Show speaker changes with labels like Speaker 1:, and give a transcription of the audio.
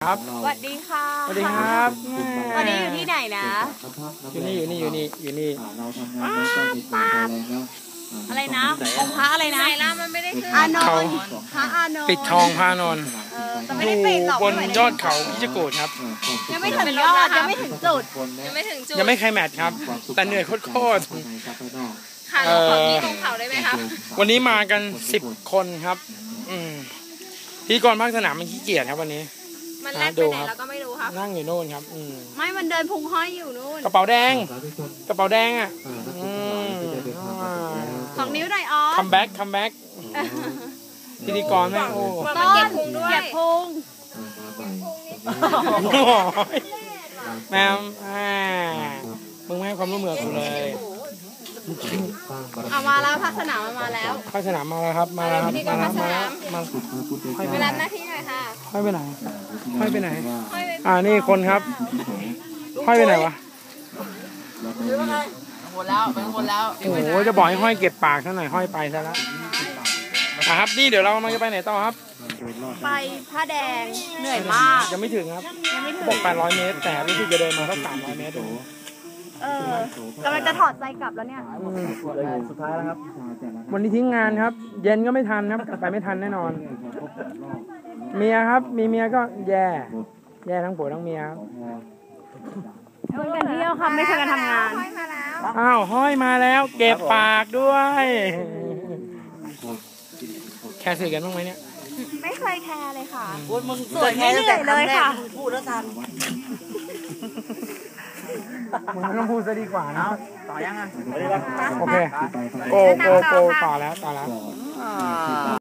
Speaker 1: ครับ
Speaker 2: สวัสดีค่ะ
Speaker 1: สวัสดีครับ
Speaker 2: วันนี้อยู่ที่ไหนนะ
Speaker 1: อยู่นี่
Speaker 3: เราทำงานแล้วก็มีความแรงแล้ว
Speaker 2: อะไรนะองค์พระอะไรนะไหนล่ะมันไม่ได้ขึ้นอานนท์พระอานนท์
Speaker 1: ปิดทองพระอานนท์
Speaker 2: แต่ไม่ได้ปิดหรอก
Speaker 1: บนยอดเขาพิจิกูฏครับ
Speaker 2: ยังไม่ถึงยอดยังไม่ถึงจุด
Speaker 1: ยังไม่ไคลแมทครับแต่เหนื่อยโคตร
Speaker 2: ค่ะเราขอที่ตรงเขาได้ไหมคะ
Speaker 1: วันนี้มากัน10 คนครับพิธีกรภาคสนามมันขี้เกียจครับวันนี้
Speaker 2: มันแลกไปไหนเราก็ไม่รู้ครับ
Speaker 1: นั่งอยู่โน่นครับ
Speaker 2: ไม่มันเดินพุงห้อยอยู่นู่น
Speaker 1: กระเป๋าแดงอ่ะ
Speaker 2: 2 นิ้วหน่อยอ๋อ
Speaker 1: คัมแบ็กพิธีกรแม่โอ้
Speaker 2: ต้นเก็บพุง
Speaker 1: แมวมึงไม่ให้ความร่วมมือกูเลย
Speaker 2: มาแล้วภาคสนามมาแล้ว
Speaker 1: ภาคสนามมาแล้วครับมาแล้วมา
Speaker 2: ไปรับหน้าที่หน่อยค่ะ
Speaker 1: ห้อยไปไหนนี่คนครับห้อยไปไหนวะ
Speaker 2: หมดแล้ว
Speaker 1: โอ้โหจะบอกให้ห้อยเก็บปากซะหน่อยห้อยไปซะแล้วครับนี่เดี๋ยวเรามันจะไปไหนต่อครับ
Speaker 2: ไปผ้าแดงเหนื่อยมาก
Speaker 1: ยังไม่ถึงครับบอก800 เมตรแต่รู้สึกจะเดินมาแค่300 เมตร
Speaker 2: กำลังจะถอดใจกลับแล้วเนี่ย
Speaker 1: สุดท้ายแล้วครับวันนี้ทิ้งงานครับเย็นก็ไม่ทันครับกลับไปไม่ทันแน่นอนเมียครับมีเมียก็แย่ทั้งผัวทั้งเมียครับ
Speaker 2: ชวนกันเที่ยวค่ะไม่ชวนกันทำงาน
Speaker 1: อ้าวห้อยมาแล้วเก็บปากด้วยแค่สื่อกันบ้างไหมเนี่ย
Speaker 2: ไม่เคยแคร์เลยค่ะ
Speaker 4: มึงสวยไม่เหนื่อยเลยค่ะพูดแล้วทัน
Speaker 1: มึงไม่ต้องพูดซะดีกว่านะ
Speaker 4: ต่อยังอ่ะ
Speaker 1: โอเคโกต่อแล้ว